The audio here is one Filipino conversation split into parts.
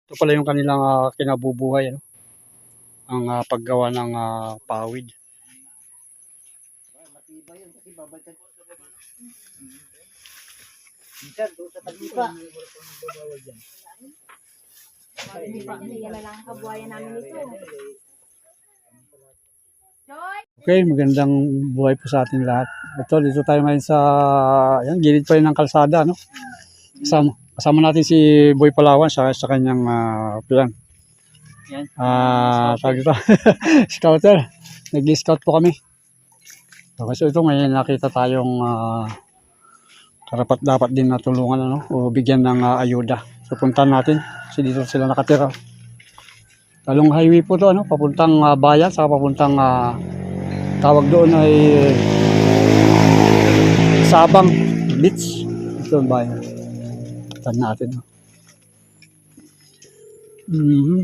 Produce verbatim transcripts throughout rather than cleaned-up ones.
Ito pala yung kanilang uh, kinabubuhay, ano? Ang uh, paggawa ng uh, pawid. Matibay yun kasi babalik ko sa baba. Minsan doon sa tagipa. Yan na lang ang kabuhayan namin ito. Okay, magandang buhay po sa ating lahat. Ito, dito tayo ngayon sa, yan, gilid pa rin ng kalsada, no? Kasama, kasama natin si Boy Palawan sa, sa kanyang uh, plan. Yan. Ah, tawag ito. Scouter. Nag-scout po kami. Okay, so ito ngayon nakita tayong uh, karapat dapat din natulungan, ano, o bigyan ng uh, ayuda. So puntahan natin kasi dito sila nakatira. Talong highway po to, ano, papuntang uh, bayan, saka papuntang uh, tawag doon ay Sabang Beach. Ito ang bayan. Puntahan natin. No? Mm-hmm.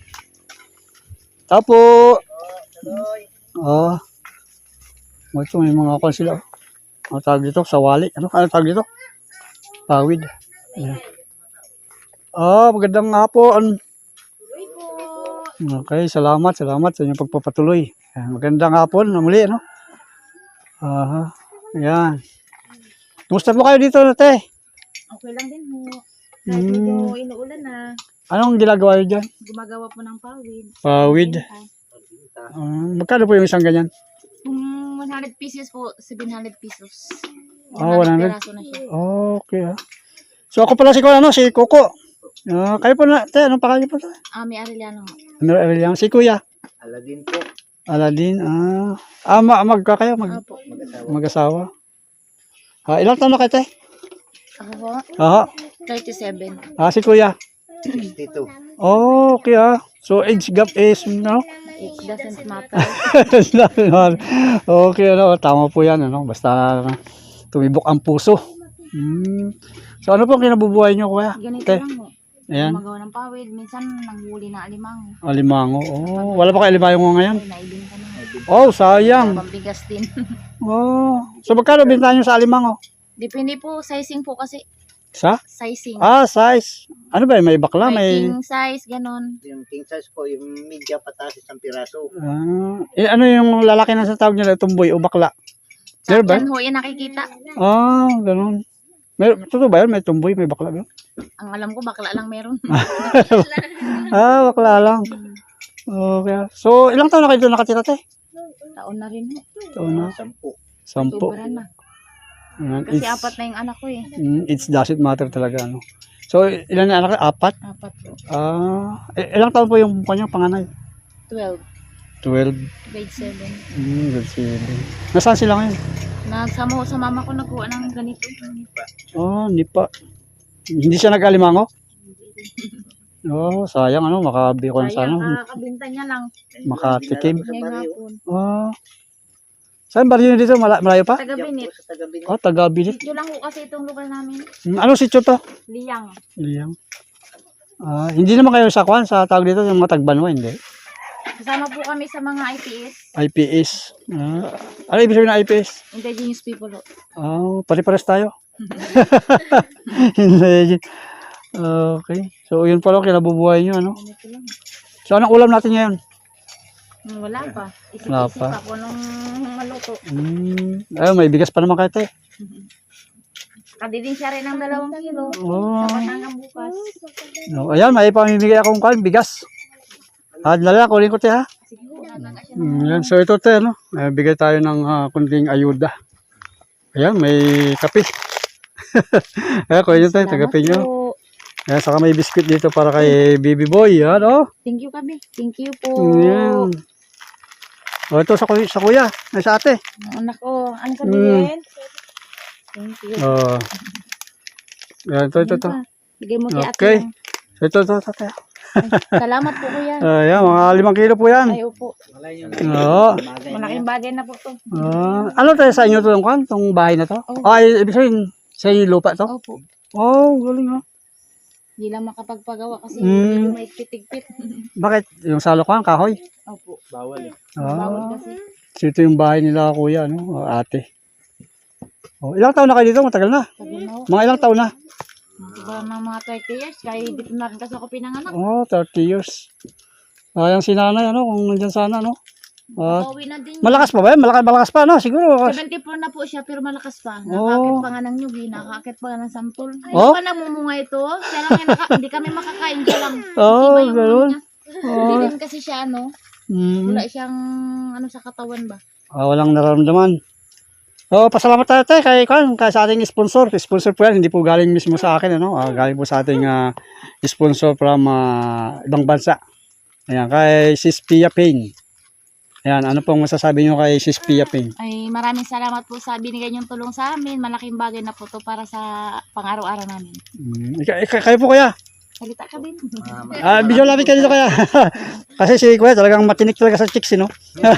Tapo. Ah. Oh, ito may mga kon sila. Ano tawag dito? Sawali. Ano ano tawag dito? Pawid. Ayan. Ah, magandang hapon. Okay, salamat, salamat sa inyong pagpapatuloy. Ayan, magandang hapon na muli, ano? Aha. Ayan. Kumusta po kayo dito, te? Okay lang din ho. Kahit medyo Hmm. inuulan na, Anong ginagawa niyo dyan? gumagawa po ng pawid. Pawid. Ah, magkano po yung isang ganyan? Kung one hundred pieces po, seven hundred pesos. Ah, one hundred? Piraso na siya. Okay, ah. So ako pala si, ano, si Coco. Ah, kayo po na, te, anong pangalan niyo po? Ah, may Arellano ho. Ano, Aureliano? Si Kuya. Aladin po. Aladin, ah. Ah, ma magka kayo, mag Opo. mag-asawa. Ah, ilang taon na kayo, te? Ako po, Aha. thirty-seven. Ah, si Kuya. sixty-two. Oh, okay, ah. So age gap is, no? It doesn't matter. Okay, ano, tama po yan, ano, basta tumibok ang puso. Hmm. So, ano po ang kinabubuhay nyo, kuya? Ganito Te, lang ho. ayan, Gumagawa ng pawid. Minsan, nanghuli na alimango. alimango. Oh, wala pa kayo alimango ngayon? Ay, naibin ka na. Oh, sayang. Pambigas din. Oh, so magkano bintahan nyo sa alimango? Depende po, sizing po kasi. Sa? Sizing. Ah, size. Ano ba, may bakla, may may... king size, ganon. Yung king size po, yung media pataas isang piraso. Ah, eh, ano yung lalaki na sa tawag nila, tumboy o bakla? Sa Meron ba? yan ho, yan nakikita. Ah, ganun. May, totoo ba yun? May tumboy, may bakla ba? Ang alam ko, bakla lang meron. Ah, bakla lang. Okay. So, ilang taon na kayo doon nakatira, te? Taon na rin ho. Taon na. Sampu. Sampo. Sobra na. Ayan, Kasi it's, apat na yung anak ko eh. mm, it doesn't matter talaga, ano. So, ilan na anak? Apat? Apat po. Ah, eh, ilang taon po yung kanyang panganay? twelve. twelve. Grade seven. Hmm, good seven. Nasaan sila ngayon? Nagsama ko sa mama ko nagkuha ng ganito. Oh, nipa. Hindi siya nag-alimango? Oh, sayang, ano, makabi ko na Kaya sana. kakabinta niya lang. Makatikim. Ngayong hapon. Oh. Saan baryo dito? Mala malayo pa? Taga Binit. Sa taga Binit. Oh, taga-Bilit. Sityo lang ho kasi itong lugar namin. Hmm, anong sityo to? Liyang. Liyang. Ah, hindi naman kayo sa kwan, sa tawag dito, yung mga tagbanwa, hindi? Kasama po kami sa mga I P S. I P S. Ah, ano ibig sabihin ng I P S? Indigenous people ho. Oh, pare-pares tayo. Hindi. Okay. So, yun pala kinabubuhay nyo, ano? Ganito lang. So, anong ulam natin ngayon? Hmm, Wala pa. Wala Isip-isip pa. ako nung maluto. Hmm. Ayun, may bigas pa naman kayo, te. Kadidin siya rin ng dalawang kilo. Oh. Sa hanggang bukas. No, ayan, may pamimigay akong kwan, bigas. Ah, dala, kunin ko, te, ha? Sige ho, nagaga siya. Hmm, yan. So, ito, te, no? May bigay tayo ng uh, kunting ayuda. Ayan, may kape. Ayan, kunin nyo, te, tagapin nyo. Po. Ayan, saka may biscuit dito para kay baby boy. Yan, oh. Thank you kami. Thank you po. Ayan. O, ito sa, kuya- sa kuya. Ay, sa ate. Ang anak ko. Ano sabihin? Thank you. Oh. Ayan, ito, ito, ito. Bigay mo kay ate. Okay. lang. So, ito, ito, ito, ito. Ay, salamat po kuya. Ayan, mga limang kilo po yan. Ay, opo. Oo. Malaking bagay na po to. Ah, ano tayo sa inyo to, kwan? Itong bahay na to? Oh. Ay, ibig sabihin, sa inyo yung lupa to? Opo. Oh, galing, oh. Hindi lang makapagpagawa kasi Mm. medyo may pitig-pit. Bakit? Yung salo ko, kahoy? Opo. Bawal eh. Bawal Ah, kasi. so ito yung bahay nila, kuya, ano? O, ate. Oh, ilang taon na kayo dito? Matagal na. Sabi mo, Mga ilang taon na? Diba ng mga thirty years, kaya dito na rin kasi ako pinanganak. Oh, thirty years. Sayang si nanay, ano, kung nandyan sana, no? Ah, Pauwi na din. malakas pa ba yan? Malakas, malakas pa, no? Siguro. seventy-four na po siya, pero malakas pa. Oh. Nakakit pa nga ng nyugi, nakakit pa nga ng sampol. Ay, Oh? pa namumunga ito. Siya lang yung naka, hindi kami makakain siya lang. Oh, Iba yung ano ganun. niya. Hindi din kasi siya, ano, Hmm. wala siyang, ano, sa katawan ba? Ah, walang nararamdaman. Oh, pasalamat tayo tayo kay kan kay sa ating sponsor. Sponsor po yan, hindi po galing mismo sa akin, ano? Ah, galing po sa ating ah, sponsor from ah, ibang bansa. Ayan, kay Sis Pia Payne. Ayan, ano pong masasabi niyo kay Sis Pia Payne? Ay, maraming salamat po sa binigay niyong tulong sa amin. Malaking bagay na po to para sa pang-araw-araw namin. Hmm, ika- ika- kayo po kuya. Salita ka din. Ah, video lapit kayo dito kaya. Kasi si kuya talagang matinik talaga sa chicks, eh, no?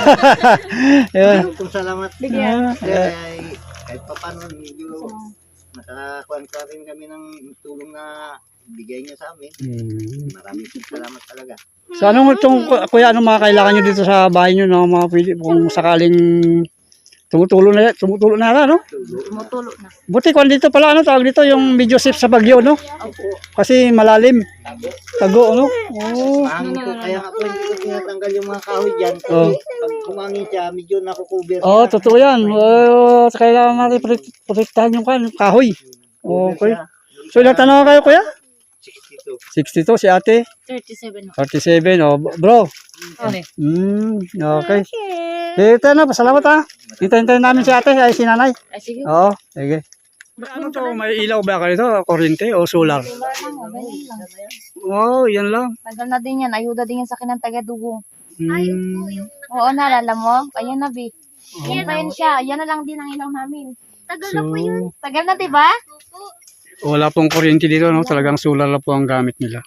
Ayan. Maraming salamat. Bigyan. Ah, Sir, ayan. ay kahit pa paano medyo nakakuha ka rin kami ng tulong na bigay niya sa amin. Hmm. Maraming salamat talaga. So anong itong kuya, anong mga kailangan nyo dito sa bahay nyo, no? Mga pwede kung sakaling tumutulo na tumutulo na yan, no? Tumutulo na. Buti kung dito pala, ano tawag dito, yung video safe sa Bagyo, no? Kasi malalim. Tago, no? Oh. Mahangin ko, kaya nga po hindi ko tinatanggal yung mga kahoy dyan. Kasi Oh. pag kumangin siya, medyo nakukover. Oh, siya. totoo yan. Oh, kailangan natin protek- protektahan yung kan, kahoy. Cover Okay. siya. So ilang tanong kayo, kuya? sixty-two. sixty-two, si ate. thirty-seven. thirty-seven, oh, bro. Okay. Hmm, okay. Ito na, pasalamat ha. Hintayin-hintayin namin si ate, ay si nanay. Ay, sige. Oo, sige. Ano to, may ilaw ba kayo to? Kuryente o solar? Wala lang, oh, ganyan lang. Oo, oh, yan lang. Tagal na din yan. Ayuda din yan sa kinang taga-dugong. Hmm. Oo, naalala mo? Ayan na, Bi. Yan pa yun siya. Yan na lang din ang ilaw namin. Tagal So, Tagal na, diba? wala pong kuryente dito, no? Talagang solar lang po ang gamit nila.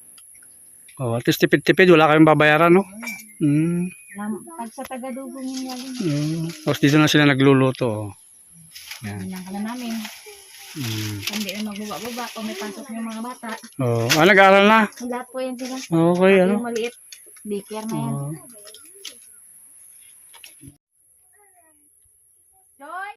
Oh, at least tipid-tipid, wala kayong babayaran, no? Hmm. Lam- Pag sa taga-dugong yun yan. Hmm. Tapos dito na sila nagluluto. Oh. Yan. Yan ka na namin. Hmm. Hindi na magbaba-baba. Kung may pasok yung mga bata. Oh, ah, nag-aaral na. Lahat po yan sila. Okay, ano? Yung maliit. Daycare na yan. Oh. Joy!